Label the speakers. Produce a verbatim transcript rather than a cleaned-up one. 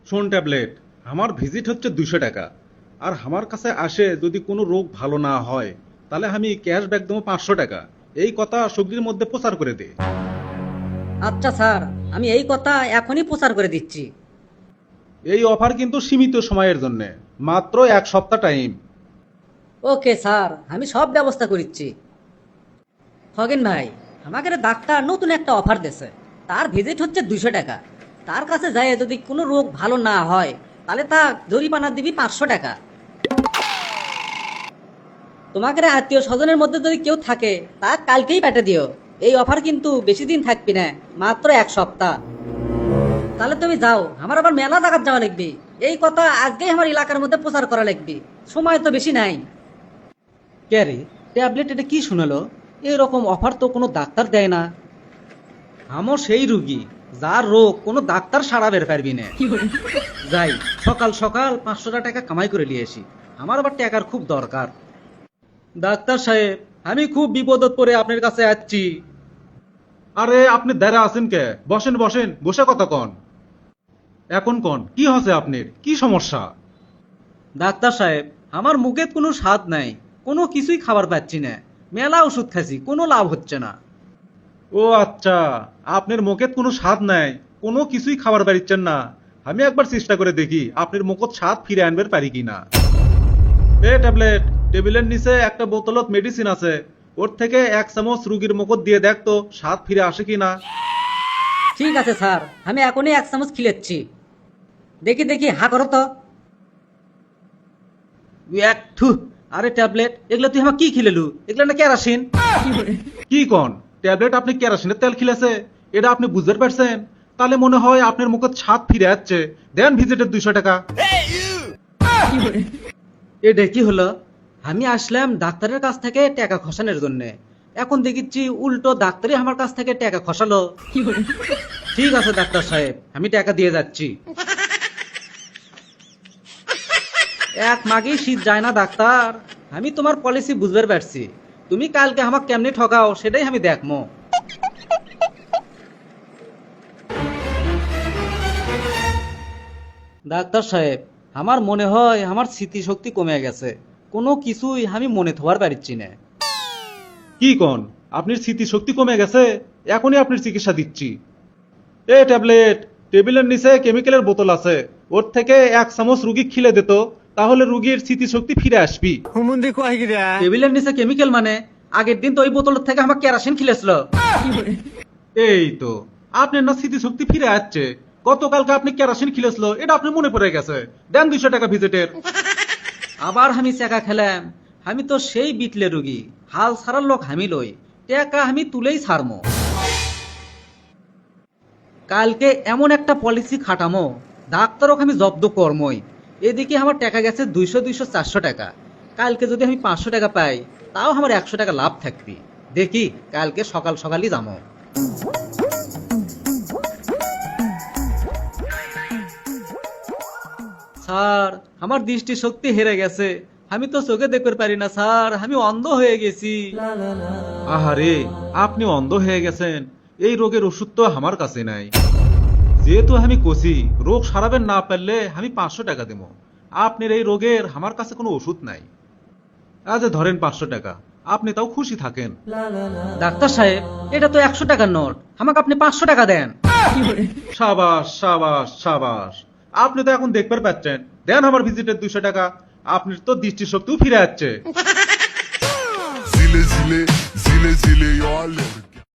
Speaker 1: শোন ট্যাবলেট, আমার ভিজিট হচ্ছে দুইশো টাকা। আর আমার কাছে আসে যদি কোনো রোগ ভালো না হয় তাহলে আমি ক্যাশব্যাক দেবো পাঁচশো টাকা। এই কথা সবজির মধ্যে প্রচার করে দে।
Speaker 2: আচ্ছা স্যার, আমি এই কথা এখনই প্রচার করে দিচ্ছি।
Speaker 1: এই অফার কিন্তু সীমিত সময়ের জন্য, মাত্র এক সপ্তাহ টাইম।
Speaker 2: ওকে স্যার, আমি সব ব্যবস্থা করিচ্ছি। খগেন ভাই, আমাকে রে ডাক্তার নতুন একটা অফার দিয়েছে। তার ভিজিট হচ্ছে দুইশো টাকা। তার কাছে যায় যদি কোনো রোগ ভালো না হয় তাহলে তা জরিমানা দিবি পাঁচশো টাকা। তোমাকে রে আত্মীয় স্বজনের মধ্যে যদি কেউ থাকে তা কালকেই পেটে দিও। এই অফার কিন্তু বেশি দিন থাকবি না, মাত্র এক সপ্তাহ। তাহলে তুমি যাও, আমার আবার মেলা জায়গা যাওয়া লাগবে। এই কথা আজকেই আমার এলাকার মধ্যে প্রচার করা লাগবে, সময় তো বেশি নাই। কে রে, ট্যাবলেট এটা কি শুনালো? এরকম অফার তো কোনো ডাক্তার দেয় না। আমার সেই রুগী যার রোগ কোনো ডাক্তার সারা বের পারবি না। যাই সকাল সকাল পাঁচশো টাকা কামাই করে নিয়ে আসি, আমার আবার টাকার খুব দরকার। ডাক্তার সাহেব, আমি খুব বিপদত পড়ে আপনার কাছে আসছি।
Speaker 1: আরে আপনি দাঁড়া আছেন কে? বসেন বসেন, বসে কথা কন। এখন কন, কি হচ্ছে আপনার, কি সমস্যা?
Speaker 2: ডাক্তার সাহেব, আমার মুখে কোনো স্বাদ নাই, কোনো কিছুই খাবার পাচ্ছি না। মেলা ওষুধ খাচ্ছি, কোনো লাভ হচ্ছে না।
Speaker 1: ও আচ্ছা, আপনার মুখে কোনো স্বাদ নাই, কোনো কিছুই খাবার পারিচ্ছেন না। আমি একবার চেষ্টা করে দেখি আপনার মুখত স্বাদ ফিরে আনবে পারি কিনা। এ ট্যাবলেট, টেবিলের নিচে একটা বোতলত মেডিসিন আছে, ওর থেকে এক চামচ রুগীর মুখত দিয়ে দেখ তো স্বাদ ফিরে আসে কিনা।
Speaker 2: ঠিক আছে স্যার, আমি এখনই এক চামচ খিলেচ্ছি। দেখি দেখি, হা করো তো। এক থু, আরে ট্যাবলেট, এগুলো তুই আমার কি খিলেলু? এগুলো না কেরাসিন।
Speaker 1: কি কন ট্যাবলেট, আপনি কেরাসিনের তেল খিলেছে? এটা আপনি বুঝতে পারছেন? তাহলে মনে হয় আপনার মুখত স্বাদ ফিরে আসছে। দেন ভিজিটের দুইশো টাকা।
Speaker 2: এটা কি হলো? আমি আসলাম ডাক্তারের কাছ থেকে টাকা খসানোর জন্য, এখন দেখিচ্ছি উল্টো ডাক্তারই আমার কাছ থেকে টাকা খসালো। ঠিক আছে ডাক্তার সাহেব, আমি টাকা দিয়ে যাচ্ছি। এক মাগেই শীত যায় না ডাক্তার। আমি তোমার পলিসি বুঝতে পারছি, তুমি কালকে আমাকে কেমনি ঠকাও সেটাই আমি দেখমো। ডাক্তার সাহেব, আমার মনে হয় আমার স্মৃতিশক্তি কমে গেছে, কোনো কিছুই আমি মনে থবার পারছি না।
Speaker 1: কি কন, আপনার স্মৃতিশক্তি কমে গেছে? এখনই আপনার চিকিৎসা দিচ্ছি। এ ট্যাবলেট, টেবিলের নিচে কেমিক্যালের বোতল আছে, ওর থেকে এক চামচ রুগী খিলে দিত, তাহলে রুগীর স্মৃতিশক্তি ফিরে আসবি।
Speaker 2: টেবিলের নিচে কেমিক্যাল মানে? আগের দিন তো ওই বোতল থেকে আমার কেরাসিন খিলেছিল।
Speaker 1: এই তো, আপনার না স্মৃতিশক্তি ফিরে আসছে। গতকালকে আপনি কেরাসিন খিলেছিল, এটা আপনি মনে পড়ে গেছে। দেন দুইশো টাকা ভিজিটের।
Speaker 2: আবার আমি চেকা খেলাম। আমি তো সেই বিটলে রুগী, হাল ছাড়ার লোক আমি লই, টাকা আমি তুলেই ছাড়মো। কালকে এমন একটা পলিসি খাটামো, ডাক্তারক আমি জব্দ কর্মই। এদিকে আমার টাকা গেছে দুইশো দুইশো চারশো টাকা। কালকে যদি আমি পাঁচশো টাকা পাই তাও আমার একশো টাকা লাভ থাকবি। দেখি কালকে সকাল সকালই যাবো। স্যার, আমার দৃষ্টি শক্তি হেরে গেছে, আমি তো চোখে দেখতে পারি না স্যার, আমি অন্ধ হয়ে গেছি।
Speaker 1: আহারে, আপনি অন্ধ হয়ে গেছেন? এই রোগের ওষুধ তো আমার কাছে নাই। যেহেতু আমি কষি, রোগ সারাবেন না পারলে আমি পাঁচশো টাকা দেব। আপনার এই রোগের আমার কাছে কোনো ওষুধ নাই। আজ ধরেন পাঁচশো টাকা, আপনি তাও খুশি থাকেন।
Speaker 2: ডাক্তার সাহেব, এটা তো একশো টাকার নোট, আমাকে আপনি পাঁচশো টাকা দেন।
Speaker 1: সাবাস সাবাস সাবাস, আপনি তো এখন দেখতে পাচ্ছেন। দেন আমার ভিজিটের দুইশো টাকা, আপনার তো দৃষ্টিশক্তিও ফিরে যাচ্ছে।
Speaker 3: zile zile zile zile eu alerg